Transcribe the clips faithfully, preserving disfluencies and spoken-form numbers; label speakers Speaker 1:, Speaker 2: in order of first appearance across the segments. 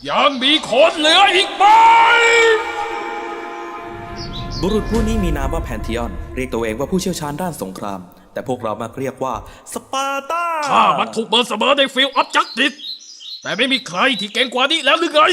Speaker 1: ยังมีคนเหลืออีกไหม
Speaker 2: บุรุษผู้นี้มีนามว่าแพนธีออนเรียกตัวเองว่าผู้เชี่ยวชาญด้านสงครามแต่พวกเรามักเรียกว่าสปาร์ตา
Speaker 1: ข้ามันถูกเบิร์นเสมอในฟิลด์ออฟจัสติสแต่ไม่มีใครที่เก่งกว่านี้แล้วหรือไง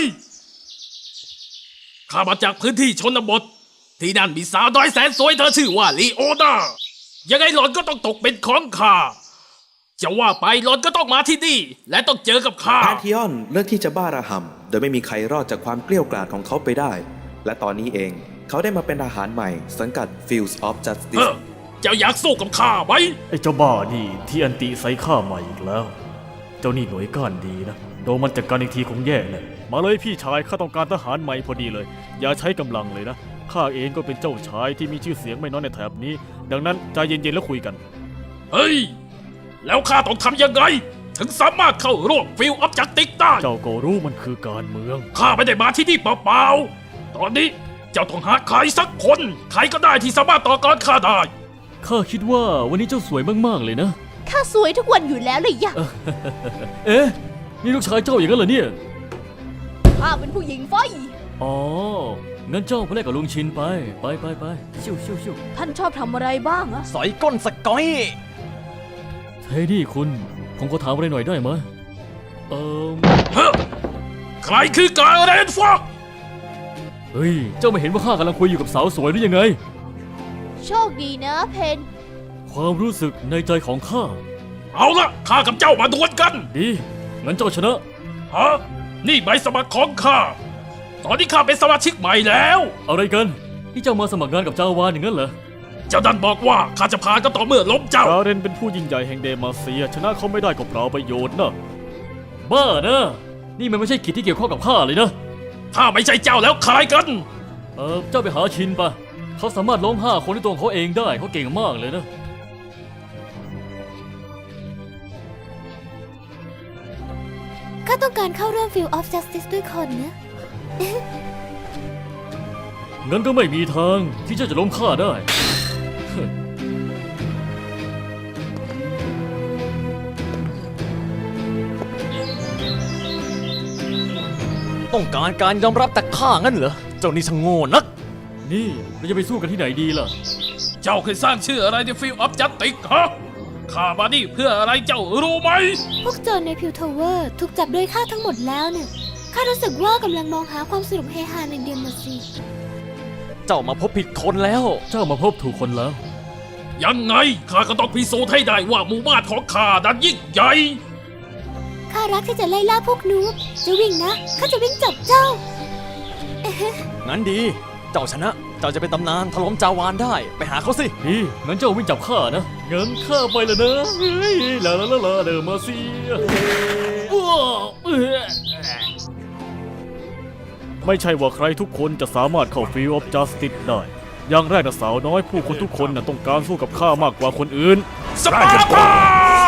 Speaker 1: ข้ามาจากพื้นที่ชนบทที่นั่นมีสาวน้อยแสนสวยเธอชื่อว่าลีโอนายังไงหล่อนก็ต้องตกเป็นของข้าจะว่าไปหล่อนก็ต้องมาที่นี่และต้องเจอกับข้า
Speaker 2: แพนธีออนเลือกที่จะบ้าระห่ำโดยไม่มีใครรอดจากความเกลี้ยกล่อมของเขาไปได้และตอนนี้เองเขาได้มาเป็นทหารใหม่สังกัด Fields of Justice
Speaker 1: เจ้าอยากสู้กับข้าไหม
Speaker 3: ไอ้เจ้าบ้านี่ที่อันติใส่ข้าใหม่อีกแล้วเจ้านี่หน่วยก้านดีนะโดนมันจัดการอีกทีคงแย่เลยมาเลยพี่ชายข้าต้องการทหารใหม่พอดีเลยอย่าใช้กำลังเลยนะข้าเองก็เป็นเจ้าชายที่มีชื่อเสียงไม่น้อยในแถบนี้ดังนั้นใจเย็นๆแล้วคุยกัน
Speaker 1: เฮ้ยแล้วข้าต้องทำยังไงถึงสามารถเข้าร่วมฟิลด์ออฟจัสติสได้
Speaker 3: เจ้าก็รู้มันคือการเมือง
Speaker 1: ข้าไม่ได้มาที่นี่เปล่าๆตอนนี้เจ้าต้องหาใครสักคนใครก็ได้ที่สามารถต่อกรข้าได้
Speaker 3: ข้าคิดว่าวันนี้เจ้าสวยมากๆเลยนะ
Speaker 4: ข้าสวยทุกวันอยู่แล้วเลยยะ
Speaker 3: เอ๊ะนี่ลูกชายเจ้าอย่างนั้นเหรอเนี่ย
Speaker 4: ข้าเป็นผู้หญิงไฟ
Speaker 3: อ๋องั้นเจ้าไปเล่นกับลุงชินไปไปไปไปชิวชิวชิว
Speaker 4: ท่านชอบทำอะไรบ้างอะ
Speaker 5: สอยก้นสกอย
Speaker 3: เฮ้ยนี่คุณผมขอถามอะไรหน่อยได้ไหมเอ่อ
Speaker 1: ใครคือการเรนฟอก
Speaker 3: เฮ้ยเจ้าไม่เห็นว่าข้ากำลังคุยอยู่กับสาวสวยหรือยังไง
Speaker 4: โชคดีนะเพน
Speaker 3: ความรู้สึกในใจของข้า
Speaker 1: เอาละข้ากับเจ้ามาดวลกัน
Speaker 3: ดีงั้นเจ้าชนะ
Speaker 1: ฮะนี่ใบสมัครของข้าตอนนี้ข้าเป็นสมาชิกใหม่แล้ว
Speaker 3: อะไรกันที่เจ้ามาสมัครงานกับเจ้าวานอย่างนั้นเหรอ
Speaker 1: เจ้าดันบอกว่าข้าจะพาก็ต่อเมื่อล้มเจ้า
Speaker 3: ราเรนเป็นผู้ยิ่งใหญ่แห่งเดมาเซียชนะเขาไม่ได้ก็เปล่าประโยชน์นะบ้านะนี่มันไม่ใช่กิจที่เกี่ยวข้องกับข้าเลยนะ
Speaker 1: ถ้าไม่ใช่เจ้าแล้วใครกัน
Speaker 3: เออเจ้าไปหาชินปะเขาสามารถล้มห้าคนด้วยตัวเขาเองได้เขาเก่งมากเลยนะ
Speaker 4: ข้าต้องการเข้าร่วม Field of Justice ด้วยคนนะ
Speaker 3: งั้นก็ไม่มีทางที่เจ้าจะล้มข้าได้
Speaker 5: ต้องการการยอมรับจากข้างั้นเหรอเจ้านี่ช่างโง่นัก
Speaker 3: นี่เราจะไปสู้กันที่ไหนดีล่ะ
Speaker 1: เจ้าเคยสร้างชื่ออะไรในฟิลด์ออฟจัสติสฮะข้ามานี่เพื่ออะไรเจ้ารู้ไหม
Speaker 4: พวกโจรในพิวทาวเวอร์ถูกจับโดยข้าทั้งหมดแล้วเนี่ยข้ารู้สึกว่ากำลังมองหาความสนุกเฮฮาในเดมาซี
Speaker 5: เจ้ามาพบผิดคนแล้ว
Speaker 3: เจ้ามาพบถูกคนแล้ว
Speaker 1: ยังไงข้าก็ต้องพิสูจน์ให้ได้ว่าหมู่บ้านของข้านั้นยิ่งใหญ่
Speaker 4: ข้ารักที่จะไล่ล่าพวกนูบจะวิ่งนะข้าจะวิ่งจับเจ้า
Speaker 5: งั้นดีเจ้าชนะเจ้าจะเป็นตำนานถล่มจาวานได้ไปหาเขาสิ
Speaker 3: ดีงั้นเจ้าวิ่งจับข้านะงั้นข้าไปเลยนะเฮ้ยลาลาลาลาเดอมาเซียไม่ใช่ว่าใครทุกคนจะสามารถเข้า Field of Justice ได้อย่างแรกนะสาวน้อยผู้คนทุกคนนะต้องการสู้กับข้ามากกว่าคนอื่น
Speaker 1: สปาร์ตา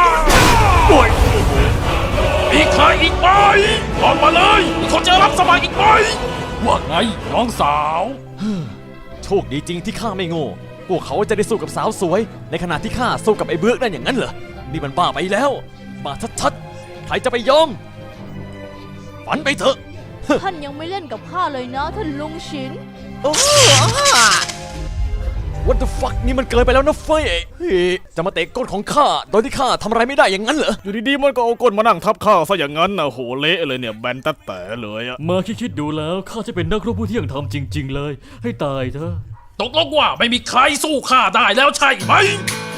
Speaker 1: มีใครอีกไหมบอกมาเลยมีคนจะรับสมัครอีกไหมว่าไงน้องสาว
Speaker 5: โชคดีจริงที่ข้าไม่โง่พวกเขาจะได้สู้กับสาวสวยในขณะที่ข้าสู้กับไอ้เบิร์กได้อย่างนั้นเหรอนี่มันบ้าไปแล้วบ้าชัดๆใครจะไปยอมฝันไปเถอะ
Speaker 4: ท่านยังไม่เล่นกับข้าเลยนะท่านลุงชิน
Speaker 5: โอ้ What the fuck นี่มันเกินไปแล้วนะเฟ้ยจะมาเตะก้นของข้าโดยที่ข้าทำอะไรไม่ได้อย่างนั้นเหรอ
Speaker 3: อยู่ดีๆมันก็เอาก้นมานั่งทับข้าซะอย่างนั้นนะโหเละเลยเนี่ยแบนตัดแต่เลยอะมาคิดๆดูแล้วข้าจะเป็นนักรบผู้เที่ยงธรรมจริงๆเลยให้ตายเถอะ
Speaker 1: ตกลงว่าไม่มีใครสู้ข้าได้แล้วใช่ไหม